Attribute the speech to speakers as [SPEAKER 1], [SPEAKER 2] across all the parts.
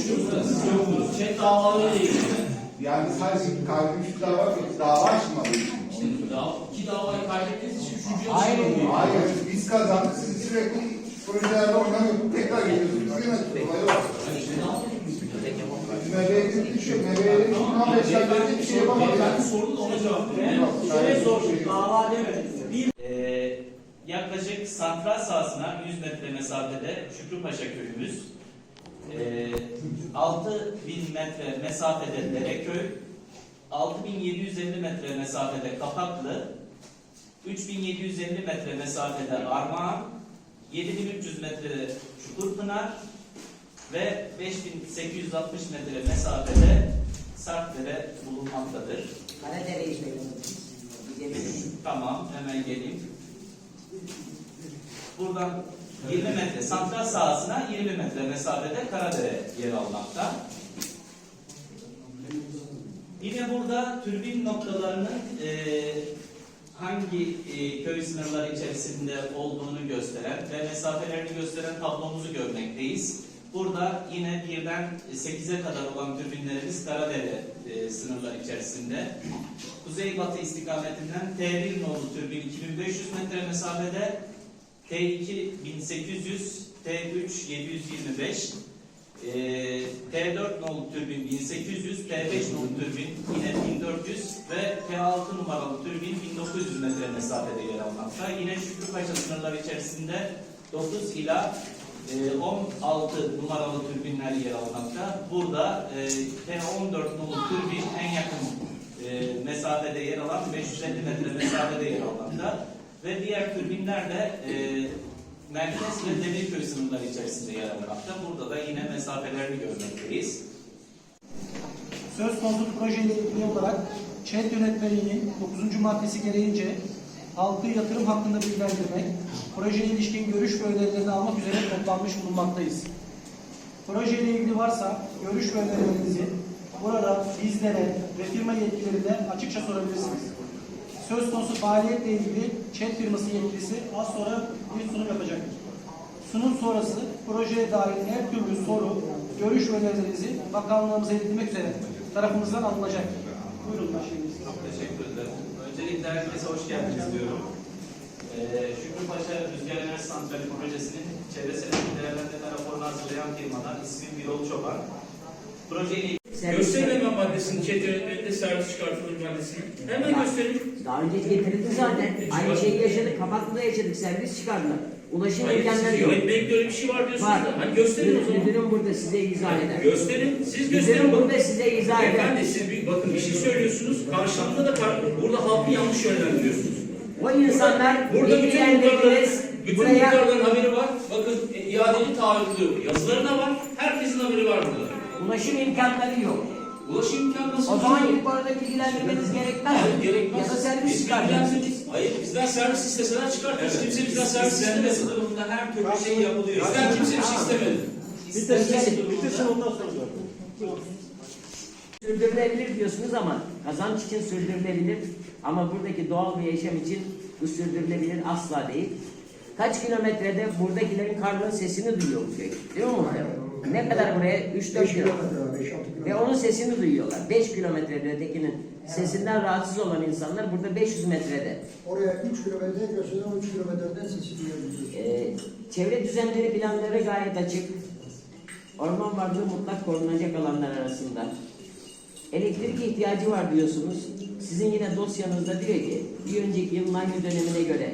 [SPEAKER 1] konuşuyoruz da siz yoktunuz. Chat davalarıyla ilgili.
[SPEAKER 2] Yani sadece kaybetmiş dava açmadı.
[SPEAKER 1] İşte iki davayı kaybettiğiniz için üçüncü
[SPEAKER 3] Hayır.
[SPEAKER 2] Hayır, biz kazandık, siz sürekli projelerde oynamıyorsunuz, tekrar geliyorsunuz. Değil mi? Olay yok. MB'ye düşüyor, MB'ye 2015 yılında bir şey yapamadı.
[SPEAKER 1] Ben sorun ona cevap veriyorum.
[SPEAKER 3] Şöyle sorduk, dava demedik.
[SPEAKER 4] Yaklaşık santral sahasına 100 metre mesafede Şükrüpaşa köyümüz, 6000 metre mesafede Dereköy, 6750 metre mesafede Kapaklı, 3750 metre mesafede Armağan, 7300 metrede Çukurpınar ve 5860 metre mesafede Sarpdere bulunmaktadır.
[SPEAKER 3] Karadere'yi söyledim.
[SPEAKER 4] Tamam, hemen geleyim. Buradan 20 metre, santral sahasına 20 metre mesafede Karadere yer almakta. Yine burada türbin noktalarının hangi köy sınırları içerisinde olduğunu gösteren ve mesafelerini gösteren tablomuzu görmekteyiz. Burada yine 1'den 8'e kadar olan türbinlerimiz Karadere sınırları içerisinde. Kuzeybatı istikametinden T1 nolu türbin 2500 metre mesafede, T2 1800, T3 725, T4 nolu türbin 1800, T5 nolu türbin yine 1400 ve T6 numaralı türbin 1900 metre mesafede yer almakta. Yine Şükrüpaşa sınırları içerisinde 9 ila 16 numaralı türbinler yer almakta. Burada T14 nolu türbin en yakın mesafede yer alan 550 metre mesafede yer almakta. Ve diğer türbinler de Merkez ve Demirköy sınırları içerisinde yer almakta. Burada da yine mesafelerini görmekteyiz.
[SPEAKER 5] Söz konusu projeyle ilgili olarak ÇED yönetmeliğinin 9. maddesi gereğince halkı yatırım hakkında bilgilendirmek, projeye ilişkin görüş ve önerilerini almak üzere toplanmış bulunmaktayız. Projeyle ilgili varsa görüş ve önerilerinizi burada bizlere ve firma yetkililerine açıkça sorabilirsiniz. Söz konusu faaliyetle ilgili ÇED firması yetkilisi az sonra bir sunum yapacaktır. Sunum sonrası projeye dair her türlü soru, görüş ve önerilerinizi bakanlığımıza iletilmek üzere tarafımızdan alınacaktır. Buyurun başlayınız.
[SPEAKER 4] Çok teşekkür ederim. Öncelikle herkese hoş geldiniz diyorum. Şükrüpaşa Rüzgar Enerji Santrali Projesi'nin çevresel değerlendirme raporunu hazırlayan firmadan ismim Birol Çoban. Projeyle
[SPEAKER 6] Gösterelim maddesini, ÇED yönetmeninde servis çıkartılır maddesini. Hemen gösterelim.
[SPEAKER 3] Daha önce getirildi zaten. Aynı şeyi yaşadık. Kapaklı'da yaşadık. Servis çıkardılar. Ulaşım imkanları yok.
[SPEAKER 6] Yönetmelikte öyle bir şey var diyorsunuz
[SPEAKER 3] Var.
[SPEAKER 6] da. Hani gösterin o zaman.
[SPEAKER 3] Müdürüm burada size izah eder.
[SPEAKER 6] Gösterin. Siz
[SPEAKER 3] Müdürüm
[SPEAKER 6] gösterin.
[SPEAKER 3] burada size izah eder.
[SPEAKER 6] Efendim siz bakın bir şey söylüyorsunuz. Karşılığında da burada halkı yanlış yönlendiriyorsunuz.
[SPEAKER 3] O insanlar
[SPEAKER 6] Burada
[SPEAKER 3] bilgilendirdiniz.
[SPEAKER 6] bütün
[SPEAKER 3] Buraya
[SPEAKER 6] muhtarların haberi var. Bakın iadeli taahhütlü yazılarına var. Herkesin haberi var burada.
[SPEAKER 3] ulaşım imkanları yok.
[SPEAKER 6] Ulaşım imkanı nasıl?
[SPEAKER 3] O zaman ilk orada bilgilendirmeniz gerekmez.
[SPEAKER 6] Hayır, gerekmez.
[SPEAKER 3] Ya da servis
[SPEAKER 6] Biz
[SPEAKER 3] çıkartacağız.
[SPEAKER 6] bilgilendiririz. Hayır, bizden servis isteseler çıkartırız. Kimse bizden servis
[SPEAKER 4] İstenme
[SPEAKER 6] istemez.
[SPEAKER 4] sınırında her türlü şey yapılıyor.
[SPEAKER 6] Bizden kimse bir şey istemedi.
[SPEAKER 5] Bitirsin ondan sonra.
[SPEAKER 3] Sürdürülebilir diyorsunuz ama kazanç için sürdürülebilir. Ama buradaki doğal bir yaşam için bu sürdürülebilir asla değil. Kaç kilometrede buradakilerin karnının sesini duyuyor bu köy. Değil mi muhtemelen? Ne kadar buraya? 3-4 kilometre. Ve onun sesini duyuyorlar. 5 kilometrede ötekinin sesinden rahatsız olan insanlar burada 500 metrede.
[SPEAKER 7] Oraya 3 kilometre gösteren 3 kilometreden sesi duyabiliyoruz.
[SPEAKER 3] Çevre düzenleri planları gayet açık. Orman varlığı mutlak korunacak alanlar arasında. Elektrik ihtiyacı var diyorsunuz. Sizin yine dosyanızda diyor ki bir önceki yılın aynı dönemine göre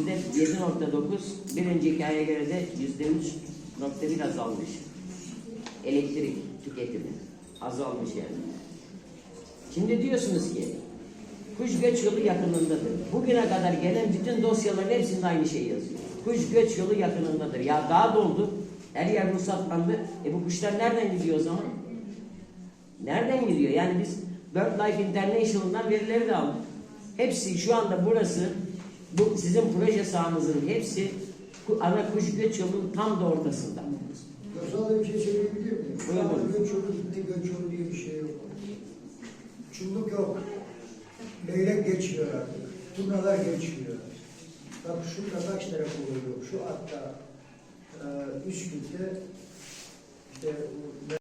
[SPEAKER 3] %7.9, bir önceki aya göre de %3.1 azalmış. Elektrik tüketimi azalmış yani. Şimdi diyorsunuz ki kuş göç yolu yakınındadır. Bugüne kadar gelen bütün dosyaların hepsinde aynı şey yazıyor. Kuş göç yolu yakınındadır. Ya daha doldu. Her yer ruhsatlandı. Bu kuşlar nereden gidiyor o zaman? Nereden gidiyor? Yani biz BirdLife International'dan verileri de aldık. Hepsi şu anda burası, bu sizin proje sahanızın hepsi ana kuş göç yolunun tam da ortasında.
[SPEAKER 7] Yoksa bir şey söyleyebilir miyim?
[SPEAKER 3] Buyurun.
[SPEAKER 7] Göç yolu, göç yolu diye bir şey yok. Çulluk yok. Leylek geçiyor artık. Turnalar geçiyor. Bak şurada kaç tane oluyor. Şu hatta Üsküp'te işte